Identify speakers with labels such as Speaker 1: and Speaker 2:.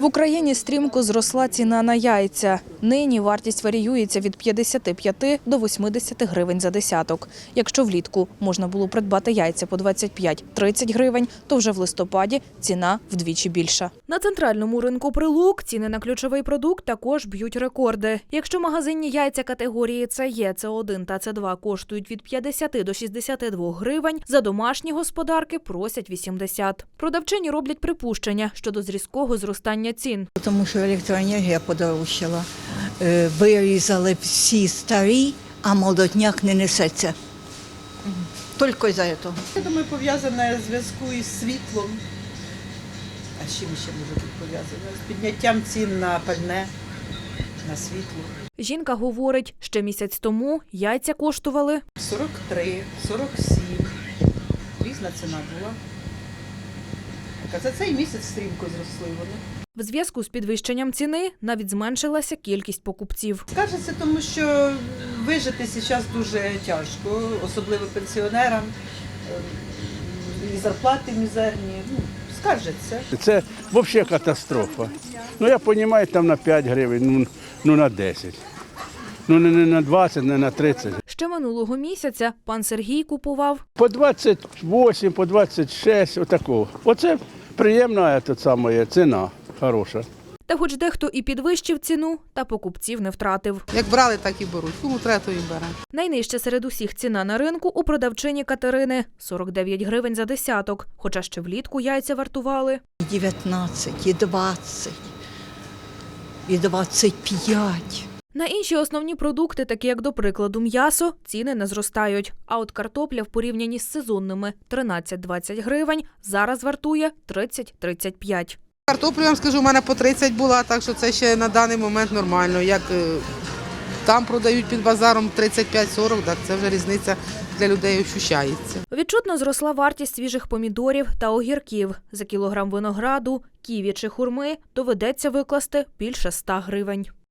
Speaker 1: В Україні стрімко зросла ціна на яйця. Нині вартість варіюється від 55 до 80 гривень за десяток. Якщо влітку можна було придбати яйця по 25-30 гривень, то вже в листопаді ціна вдвічі більша. На центральному ринку Прилук ціни на ключовий продукт також б'ють рекорди. Якщо магазинні яйця категорії СЕ, С1 та С2 коштують від 50 до 62 гривень, за домашні господарки просять 80. Продавчині роблять припущення щодо зрізкого зростання цін.
Speaker 2: Тому що електроенергія подорожчала. Вирізали всі старі, а молодняк не несеться. Тільки за цього.
Speaker 3: Я думаю, пов'язане в зв'язку із світлом. А з чим ще може бути пов'язане? З підняттям цін на пальне, на світло.
Speaker 1: Жінка говорить, ще місяць тому яйця коштували
Speaker 3: 43, 47. Різна ціна була. Так, а за цей місяць стрімко зросли вони.
Speaker 1: В зв'язку з підвищенням ціни навіть зменшилася кількість покупців.
Speaker 3: Скаржаться, тому що вижити зараз дуже тяжко, особливо пенсіонерам, і зарплати мізерні. Скаржаться.
Speaker 4: Це взагалі катастрофа. Я розумію, там на 5 гривень, на 10. Не на 20, не на 30.
Speaker 1: Ще минулого місяця пан Сергій купував
Speaker 4: По 28, по 26, отакого. Оце приємна ціна, хороша.
Speaker 1: Та хоч дехто і підвищив ціну, та покупців не втратив.
Speaker 5: Як брали, так і беруть. Кому треба, то і бере.
Speaker 1: Найнижча серед усіх ціна на ринку у продавчині Катерини – 49 гривень за десяток. Хоча ще влітку яйця вартували
Speaker 2: І 19, і 20, і 25.
Speaker 1: На інші основні продукти, такі як, до прикладу, м'ясо, ціни не зростають. А от картопля в порівнянні з сезонними 13-20 гривень зараз вартує 30-35.
Speaker 5: Картоплю, я вам скажу, у мене по 30 була, так що це ще на даний момент нормально. Як там продають під базаром 35-40, так це вже різниця для людей ощущається.
Speaker 1: Відчутно зросла вартість свіжих помідорів та огірків. За кілограм винограду, ківі чи хурми доведеться викласти більше 100 гривень.